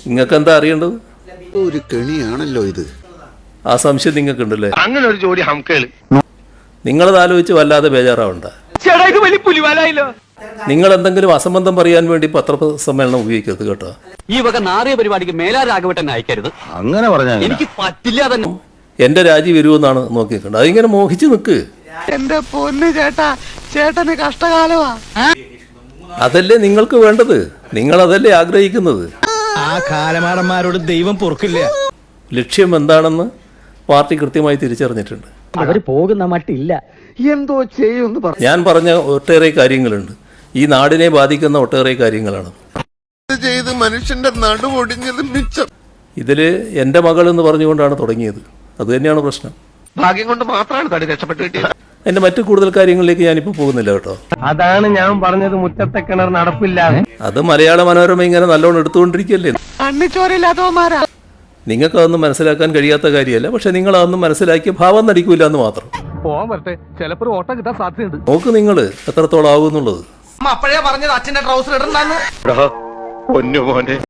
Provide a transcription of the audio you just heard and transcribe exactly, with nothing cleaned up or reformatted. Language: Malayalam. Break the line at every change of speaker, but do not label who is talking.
നിങ്ങൾക്ക് എന്താ അറിയേണ്ടത്?
ഒരു കെണിയാണല്ലോ ഇത്.
ആ സംശയം നിങ്ങൾക്കുണ്ടല്ലേ?
അങ്ങനെ ഒരു ജോലി ഹംകേള്
നിങ്ങളത് ആലോചിച്ച് വല്ലാതെ ബേജാറാവണ്ട. നിങ്ങൾ എന്തെങ്കിലും അസംബന്ധം പറയാൻ വേണ്ടി പത്രസമ്മേളനം ഉപയോഗിക്കരുത് കേട്ടോ.
ഈ വക നാറിയ പരിപാടിക്ക് മേലാ രാഘവട്ടൻ അയക്കരുത്.
അങ്ങനെ പറഞ്ഞാൽ
എനിക്ക് പറ്റില്ല തന്നെ.
എന്റെ രാജി വരുമെന്നാണ് നോക്കിയിട്ടുണ്ട്. അതിങ്ങനെ മോഹിച്ച് നിൽക്ക്.
എന്റെ പൊന്ന് ചേട്ടാ, ചേട്ടന് കഷ്ടകാലമാ.
അതല്ലേ നിങ്ങൾക്ക് വേണ്ടത്, നിങ്ങൾ അതല്ലേ ആഗ്രഹിക്കുന്നത്.
ആ കാലമാടന്മാരോട് ദൈവം പൊറുക്കില്ല.
ലക്ഷ്യം എന്താണെന്ന് പാർട്ടി കൃത്യമായി തിരിച്ചറിഞ്ഞിട്ടുണ്ട്.
അവര് പോകുന്ന മട്ടില്ല.
എന്തോ ചെയ്യുമെന്ന് പറഞ്ഞു.
ഞാൻ പറഞ്ഞ ഒട്ടേറെ കാര്യങ്ങളുണ്ട്, ഈ നാടിനെ ബാധിക്കുന്ന ഒട്ടേറെ കാര്യങ്ങളാണ്.
ചെയ്ത് മനുഷ്യന്റെ നടുവൊടിഞ്ഞത് മിച്ചം.
ഇതില് എന്റെ മകൾ എന്ന് പറഞ്ഞുകൊണ്ടാണ് തുടങ്ങിയത്. അത് തന്നെയാണ് പ്രശ്നം.
ഭാഗ്യം കൊണ്ട് മാത്രമാണ് തടി രക്ഷപ്പെട്ടു കിട്ടിയത്.
എന്റെ മറ്റു കൂടുതൽ കാര്യങ്ങളിലേക്ക് ഞാനിപ്പോ പോകുന്നില്ല കേട്ടോ.
അതാണ് ഞാൻ പറഞ്ഞത്, മുറ്റത്തെ കിണർ നടപ്പില്ല.
അത് മലയാള മനോരമ ഇങ്ങനെ നല്ലോണം എടുത്തുകൊണ്ടിരിക്കുകയല്ലേ.
അണ്ണിച്ചോരില്ലാത്തവന്മാരാ.
നിങ്ങൾക്ക് അതൊന്നും മനസ്സിലാക്കാൻ കഴിയാത്ത കാര്യമല്ല, പക്ഷെ നിങ്ങൾ അതൊന്നും മനസ്സിലാക്കിയ ഭാവം നടിക്കൂല എന്ന് മാത്രം.
പോവാൻ വരട്ടെ, ചിലപ്പോൾ ഓട്ടം കിട്ടാൻ സാധ്യതയുണ്ട്.
നോക്ക് നിങ്ങൾ എത്രത്തോളം ആകുന്നുള്ളത്.
അപ്പോഴേ പറഞ്ഞത് അച്ഛന്റെ ട്രൗസർ ഇടണ്ടാന്ന്.
പൊന്നു മോനെ.